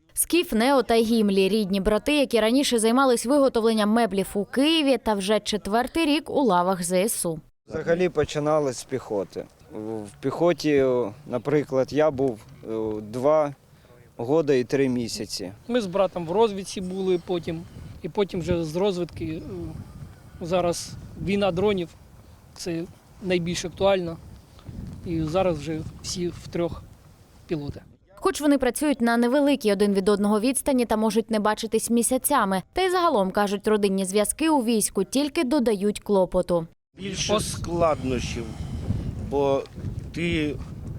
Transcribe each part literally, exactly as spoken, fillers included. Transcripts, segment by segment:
Скіф, Нео та Гімлі – рідні брати, які раніше займались виготовленням меблів у Києві та вже четвертий рік у лавах зе ес у. Взагалі починали з піхоти. В піхоті, наприклад, я був два роки і три місяці. Ми з братом в розвідці були потім, і потім вже з розвідки. Зараз війна дронів – це найбільш актуально. І зараз вже всі втрьох пілоти. Хоч вони працюють на невеликій один від одного відстані та можуть не бачитись місяцями. Та й загалом, кажуть, родинні зв'язки у війську тільки додають клопоту. Більше складнощів, бо ти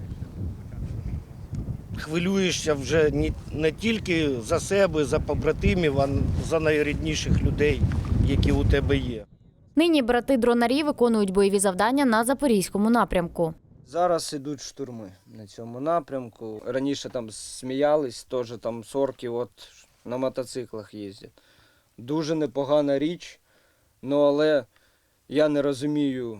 хвилюєшся вже не тільки за себе, за побратимів, а за найрідніших людей, які у тебе є. Нині брати-дронарі виконують бойові завдання на Запорізькому напрямку. Зараз ідуть штурми на цьому напрямку. Раніше там сміялись, теж там сорки от на мотоциклах їздять. Дуже непогана річ, ну але я не розумію,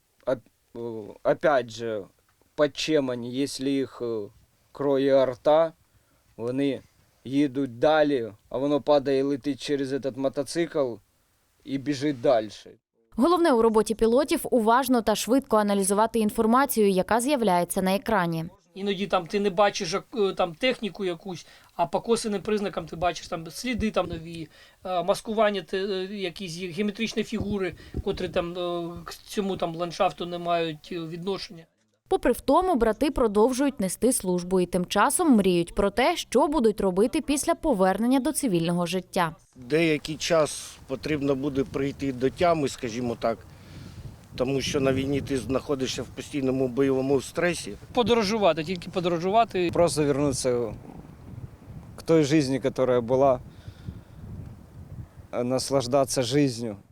опять же, під чим вони, якщо їх кроє арта, вони їдуть далі, а воно падає і летить через цей мотоцикл і біжить далі. Головне у роботі пілотів – уважно та швидко аналізувати інформацію, яка з'являється на екрані. Іноді там ти не бачиш там техніку якусь, а по косвенним признакам ти бачиш там сліди там нові, маскування, якісь геометричні фігури, котрі там к цьому там ландшафту не мають відношення. Попри в тому, брати продовжують нести службу і тим часом мріють про те, що будуть робити після повернення до цивільного життя. Деякий час потрібно буде прийти до тями, скажімо так, тому що на війні ти знаходишся в постійному бойовому стресі. Подорожувати, тільки подорожувати. Просто повернутися к той житті, яка була, наслаждатися життю.